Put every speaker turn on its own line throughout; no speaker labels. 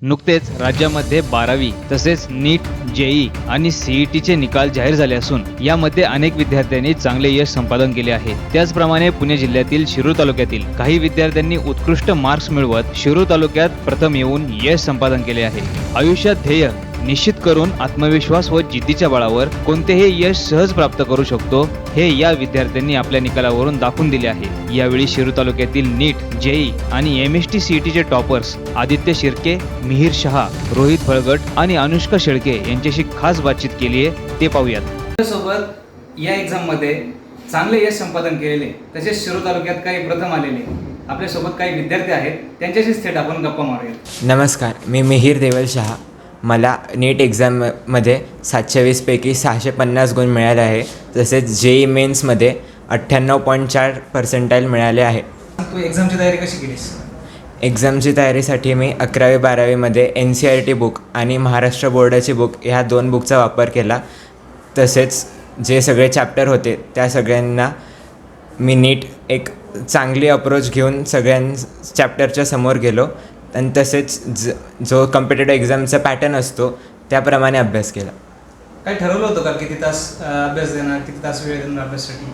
नुकतेच राज्यामध्ये 12वी तसेच नीट, जेई आणि सीईटीचे निकाल जाहीर झाले असून यामध्ये अनेक विद्यार्थ्यांनी चांगले यश संपादन केले आहे। त्याचप्रमाणे पुणे जिल्ह्यातील शिरूर तालुक्यातील काही विद्यार्थ्यांनी उत्कृष्ट मार्क्स मिळवत शिरूर तालुक्यात प्रथम येऊन यश संपादन केले आहे। आयुष्यात ध्येय निश्चित करून आत्मविश्वास व जिद्दीच्या बळावर कोणतेही यश सहज प्राप्त करू शकतो हे या विद्यार्थ्यांनी आपल्या निकालावरून दाखवून दिले आहे। यावेळी शिरूर तालुक्यातील नीट, जेई आणि एमएसटी सीईटीचे टॉपर्स आदित्य शिर्के, मिहिर शहा, रोहित फळगट आणि अनुष्का शेळके यांच्याशी खास बातचीत केली आहे, ते पाहूयात।
सोबत या एक्झाम मध्ये चांगले यश संपादन केलेले तसेच शिरूर तालुक्यात काही प्रथम आलेले आपल्यासोबत काही विद्यार्थी आहेत, त्यांच्याशीच थेट आपण गप्पा मारूया।
नमस्कार, मी मिहिर देवल शहा। मला नीट एक्झाममध्ये 720पैकी 650 गुण मिळाले आहे। तसेच जेई मेन्समध्ये 98.4% मिळाले आहे।
तू एक्झामची तयारी कशी केलीस?
एक्झामची तयारीसाठी मी 11वी-12वीमध्ये NCERT बुक आणि महाराष्ट्र बोर्डाची बुक ह्या 2 बुकचा वापर केला। तसेच जे सगळे चॅप्टर होते त्या सगळ्यांना मी नीट एक चांगली अप्रोच घेऊन चॅप्टरच्या समोर गेलो आणि तसेच जो कॉम्पिटेटिव्ह एक्झामचा पॅटर्न असतो त्याप्रमाणे अभ्यास केला।
काय ठरवलं होतं का किती तास अभ्यास देणार, किती तास वेळ देणार अभ्यासासाठी?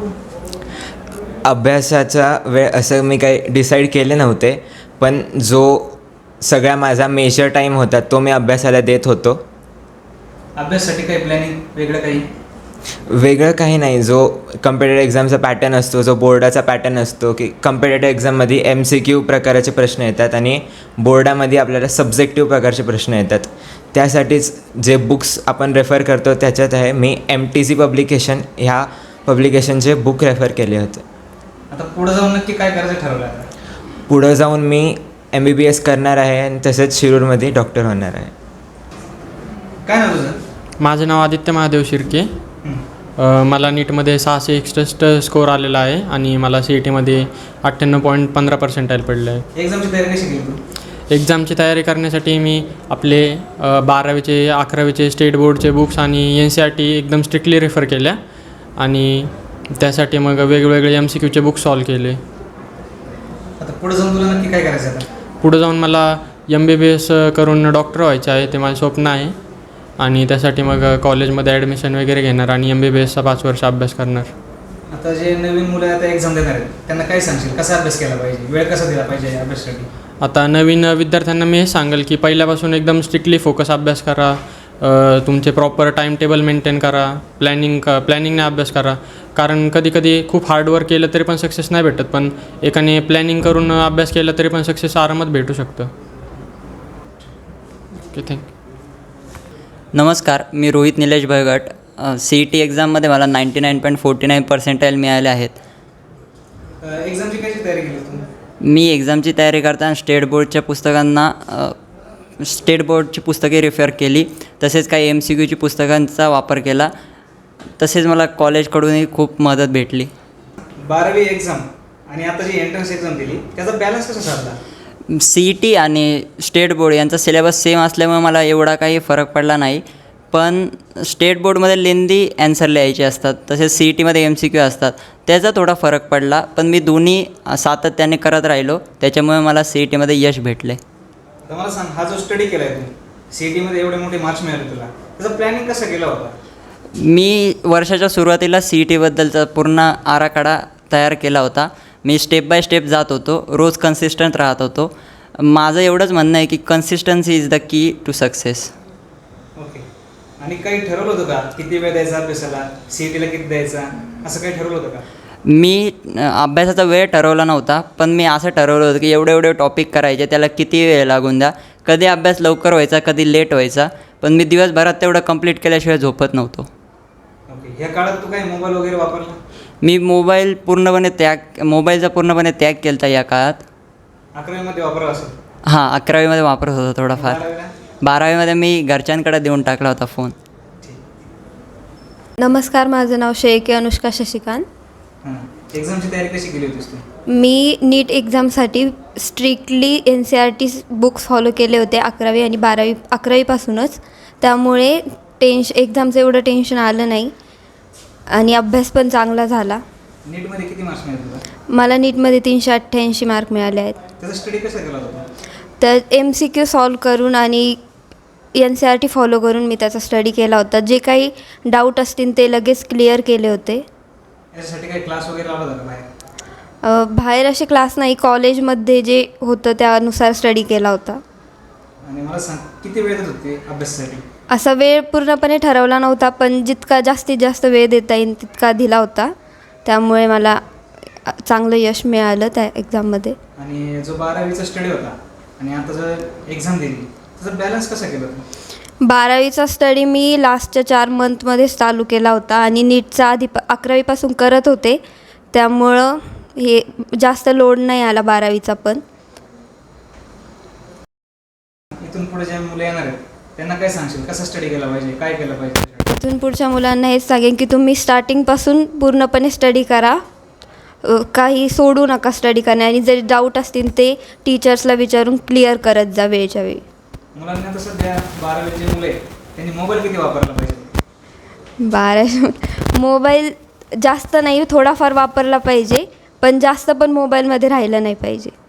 अभ्यासाचा वेळ असं मी काही डिसाईड केले नव्हते, पण जो सगळा माझा मेजर टाईम होता तो मी अभ्यासाला देत होतो।
अभ्यासासाठी काही प्लॅनिंग
वेगळं काही नाही। जो कॉम्पिटेटिव्ह एक्झामचा पॅटर्न असतो, जो बोर्डाचा पॅटर्न असतो की कॉम्पिटेटिव्ह एक्झाममध्ये MCQ प्रकारचे प्रश्न येतात आणि बोर्डामध्ये आपल्याला सब्जेक्टिव्ह प्रकारचे प्रश्न येतात। त्यासाठीच जे बुक्स आपण रेफर करतो त्याच्यात आहे मी MTC पब्लिकेशन ह्या पब्लिकेशनचे बुक रेफर केले होते।
आता पुढे जाऊन नक्की काय करायचं ठरवलं आहे?
पुढं जाऊन मी MBBS करणार आहे आणि तसेच शिरूरमध्ये डॉक्टर होणार आहे।
काय नाव तुझं?
माझं नाव आदित्य महादेव शिर्के। मला नीटमध्ये 661 स्कोर आलेला आहे आणि मला CETमध्ये 98.15% पडलं आहे।
एक्झामची तयारी कशी केली तू?
एक्झामची तयारी करण्यासाठी मी आपले 12वीचे 11वीचे स्टेट बोर्डचे बुक्स आणि NCERT एकदम स्ट्रिक्टली रेफर केल्या आणि त्यासाठी मग वेगवेगळे MCQचे बुक्स सॉल्व केले।
आता पुढे जाऊन तुला नक्की काय करायचं आहे?
पुढे जाऊन मला MBBS करून डॉक्टर व्हायचं आहे, ते माझं स्वप्न आहे आणि त्यासाठी मग कॉलेजमध्ये ॲडमिशन वगैरे घेणार आणि MBBSचा 5 वर्ष अभ्यास करणार।
आता जे नवीन मुलं आता एक्झाम देणार आहेत त्यांना काय सांगशील, कसा अभ्यास केला पाहिजे, वेळ कसा दिला पाहिजे या अभ्यासासाठी?
आता नवीन विद्यार्थ्यांना मी हे सांगेल की पहिल्यापासून एकदम स्ट्रिक्टली फोकस अभ्यास करा, तुमचे प्रॉपर टाईम टेबल मेंटेन करा, प्लॅनिंगने अभ्यास करा। कारण कधी खूप हार्डवर्क केलं तरी पण सक्सेस नाही भेटत, पण एकाने प्लॅनिंग करून अभ्यास केला तरी पण सक्सेस आरामात भेटू शकतं। Okay, thank you.
नमस्कार, मी रोहित निलेश भयगट। CET एक्झाममध्ये मला 99.49% मिळाले आहेत।
एक्झामची कशी तयारी केली तू?
मी एक्झामची तयारी करताना स्टेट बोर्डची पुस्तके रेफर केली, तसेच काही MCQची पुस्तकांचा वापर केला, तसेच मला कॉलेजकडूनही खूप मदत भेटली।
12वी एक्झाम आणि आता जी एंट्रन्स एक्झाम दिली त्याचा बॅलन्स कसा साधला?
CET आणि स्टेट बोर्ड यांचा सिलेबस सेम असल्यामुळे मला एवढा काही फरक पडला नाही, पण स्टेट बोर्डमध्ये लेंदी ॲन्सर लिहायचे असतात, तसेच CETमध्ये MCQ असतात, त्याचा थोडा फरक पडला, पण मी दोन्ही सातत्याने करत राहिलो, त्याच्यामुळे मला CETमध्ये यश भेटले।
तर मला सांग, हा जो स्टडी केला आहे तू, CETमध्ये एवढे मोठे मार्क्स मिळाले तुला, त्याचा प्लॅनिंग कसा केला होता?
मी वर्षाच्या सुरुवातीला CETबद्दलचा पूर्ण आराखडा तयार केला होता। मी स्टेप बाय स्टेप जात होतो, रोज कन्सिस्टंट राहत होतो। माझं एवढंच म्हणणं आहे की consistency is the key to success.
Okay, आणि काही ठरवलं होतं का किती वेळ द्यायचा अभ्यासाला, CETला किती द्यायचा, असं काही ठरवलं होतं का?
मी अभ्यासाचा वेळ ठरवला नव्हता, पण मी असं ठरवलं होतं की एवढे टॉपिक करायचे, त्याला किती वेळ लागून द्या, कधी अभ्यास लवकर व्हायचा, कधी लेट व्हायचा, पण मी दिवसभरात तेवढं कंप्लीट केल्याशिवाय झोपत नव्हतो।
ओके, ह्या काळात तू काही मोबाईल वगैरे वापरला?
मी मोबाईलचा पूर्णपणे त्याग केला होता या काळात।
11वीमध्ये वापरला असेल?
हां, 11वीमध्ये वापरत होता थोडाफार। 12वीमध्ये मी घरच्यांकडे देऊन टाकला होता फोन।
नमस्कार, माझं नाव शेळके अनुष्का शशिकांत।
एक्झामची तयारी कशी केली होतीस तू?
मी नीट एक्झामसाठी स्ट्रिक्टली NCERT बुक्स फॉलो केले होते 11वी आणि 11वीपासूनच, त्यामुळे एक्झामचं एवढं टेन्शन आलं नाही आणि अभ्यास पण चांगला झाला।
नीटमध्ये किती मार्क्स मिळाले तुला?
मला नीटमध्ये 388 मार्क मिळाले आहेत।
त्याचा स्टडी कसा केला होता?
तर MCQ सॉल्व करून आणि NCERT फॉलो करून मी त्याचा स्टडी केला होता. जे काही डाऊट असतील ते लगेच क्लिअर केले होते.
याच्यासाठी काही क्लास वगैरे लावला होता बाहेर?
बाहेर असे क्लास नाही, कॉलेजमध्ये जे होतं त्यानुसार स्टडी केला होता.
आणि मला सांग, किती वेळ देत होते अभ्यासासाठी?
असा वेळ पूर्णपणे ठरवला नव्हता, पण जितका जास्तीत जास्त वेळ देता येईल तितका दिला होता. त्यामुळे मला चांगलं यश मिळालं त्या एक्झाममध्ये.
आणि जो 12वीचा स्टडी होता आणि आता जर एक्झाम दिली त्याचा बॅलन्स कसा केला तू?
12वीचा स्टडी मी लास्टच्या 4 मंथमध्येच चालू केला होता आणि नीटचा आधी 11वीपासून करत होते. त्यामुळं हे जास्त लोड नाही आला 12वीचा पण.
इथून पुढे जे मुलं येणार आहेत त्यांना काय सांगशील, कसा स्टडी केला पाहिजे, काय केलं पाहिजे?
इथून पुढच्या मुलांना हेच सांगेन की तुम्ही स्टार्टिंगपासून पूर्णपणे स्टडी करा, काही सोडू नका स्टडी करणे, आणि जरी डाऊट असतील ते टीचर्सला विचारून क्लिअर करत जा वेळच्या वेळी.
मुलांना तर सध्या 12वीचे मुलं आहेत त्यांनी मोबाईल किती वापरला पाहिजे?
12 मोबाईल जास्त नाही, थोडाफार वापरला पाहिजे, पण जास्त पण मोबाईलमध्ये राहिलं नाही पाहिजे.